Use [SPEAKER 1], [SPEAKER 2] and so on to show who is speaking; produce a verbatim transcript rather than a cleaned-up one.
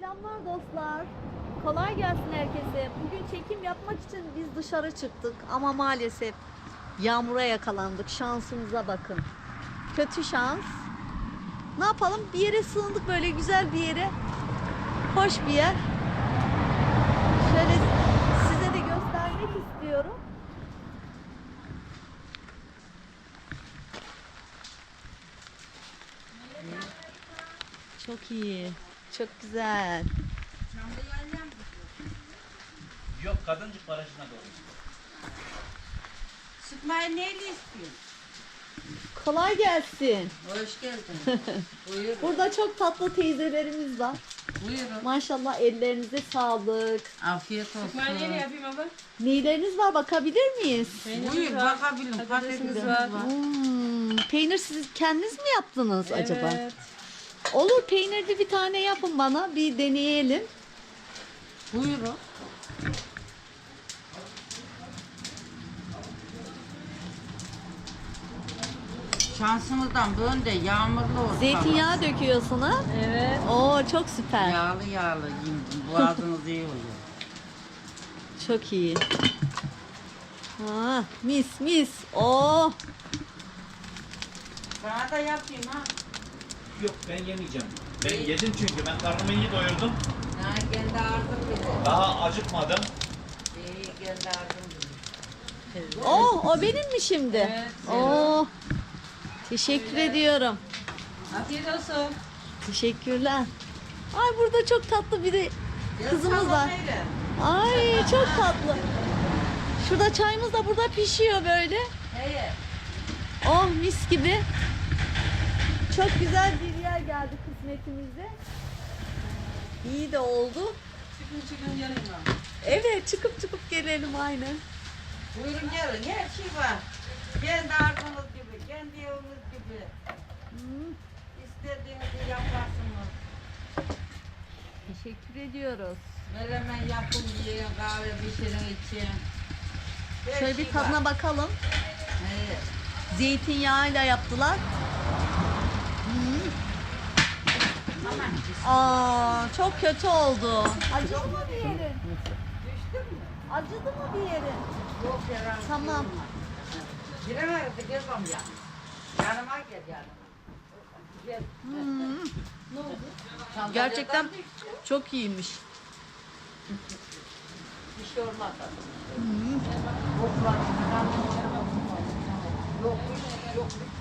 [SPEAKER 1] Selamlar dostlar. Kolay gelsin herkese. Bugün çekim yapmak için biz dışarı çıktık ama maalesef yağmura yakalandık. Şansımıza bakın. Kötü şans. Ne yapalım? Bir yere sığındık, böyle güzel bir yere. Hoş bir yer. Şöyle size de göstermek istiyorum. Çok iyi. Çok güzel.
[SPEAKER 2] Yok, Kadıncık Barajı'na doğru.
[SPEAKER 3] Sıkmayı neyle istiyorsun?
[SPEAKER 1] Kolay gelsin.
[SPEAKER 3] Hoş geldin. Buyurun.
[SPEAKER 1] Burada çok tatlı teyzelerimiz var.
[SPEAKER 3] Buyurun.
[SPEAKER 1] Maşallah, ellerinize sağlık.
[SPEAKER 3] Afiyet olsun.
[SPEAKER 4] Sıkmayı neyle yapayım abla?
[SPEAKER 1] Neyleriniz var, bakabilir miyiz?
[SPEAKER 4] Peynirimiz
[SPEAKER 3] Buyur
[SPEAKER 4] var,
[SPEAKER 3] bakabilirim.
[SPEAKER 4] patatesimiz
[SPEAKER 3] Patatesimiz
[SPEAKER 4] var.
[SPEAKER 3] var.
[SPEAKER 1] Hmm, peynir siz kendiniz mi yaptınız acaba?
[SPEAKER 4] Evet.
[SPEAKER 1] Olur, peynirli bir tane yapın bana, bir deneyelim.
[SPEAKER 3] Buyurun. Şansımızdan böyle de yağmurlu olsun.
[SPEAKER 1] Zeytinyağı döküyorsun ha?
[SPEAKER 4] Evet.
[SPEAKER 1] Oo, çok süper.
[SPEAKER 3] Yağlı yağlı yiyin. Boğazınız iyi oluyor.
[SPEAKER 1] Çok iyi. Ha, mis mis. Oo.
[SPEAKER 3] Sana da yapayım ha.
[SPEAKER 2] Yok, ben yemeyeceğim. Ben yedim çünkü. Ben karnımı iyi doyurdum.
[SPEAKER 3] Ha kendi ağzım bize.
[SPEAKER 2] Daha acıkmadım.
[SPEAKER 3] İyi kendi ağzım bize.
[SPEAKER 1] Oo, o benim mi şimdi?
[SPEAKER 4] Evet.
[SPEAKER 1] Oo. Teşekkür ediyorum.
[SPEAKER 4] Afiyet olsun.
[SPEAKER 1] Teşekkürler. Ay, burada çok tatlı biri kızımız var.
[SPEAKER 3] Öyle.
[SPEAKER 1] Ay, çok tatlı. Şurada çayımız da burada pişiyor böyle.
[SPEAKER 3] Evet.
[SPEAKER 1] Oh, mis gibi. Çok güzel bir yer geldi kısmetimize. İyi de oldu.
[SPEAKER 3] Çıkın çıkın yanıma.
[SPEAKER 1] Evet, çıkıp çıkıp gelelim aynen.
[SPEAKER 3] Buyurun gelin, her şey var. Kendi arzunuz gibi, kendi eviniz gibi.
[SPEAKER 1] Hmm,
[SPEAKER 3] İstediğinizi yaparsınız.
[SPEAKER 1] teşekkür ediyoruz.
[SPEAKER 3] Menemen yapın yiyin, kahve pişirin için. Her
[SPEAKER 1] Şöyle
[SPEAKER 3] şey
[SPEAKER 1] bir tadına
[SPEAKER 3] var.
[SPEAKER 1] bakalım.
[SPEAKER 3] Evet.
[SPEAKER 1] Zeytinyağıyla yaptılar.
[SPEAKER 3] Aman.
[SPEAKER 1] Aa, çok kötü oldu. Acıdı mı bir yerin?
[SPEAKER 3] Düştün mü?
[SPEAKER 1] Acıdı mı bir yerin?
[SPEAKER 3] Yok yaran.
[SPEAKER 1] Tamam.
[SPEAKER 3] Giremez de gel bana ya. Yanıma gel yanıma. Gel.
[SPEAKER 1] Hmm,
[SPEAKER 3] Ne oldu?
[SPEAKER 1] gerçekten
[SPEAKER 3] Sandalyedan düştü.
[SPEAKER 1] çok iyiymiş.
[SPEAKER 3] Bir şey olmaz.
[SPEAKER 1] Hmm.
[SPEAKER 3] Yok lan. Yok yok.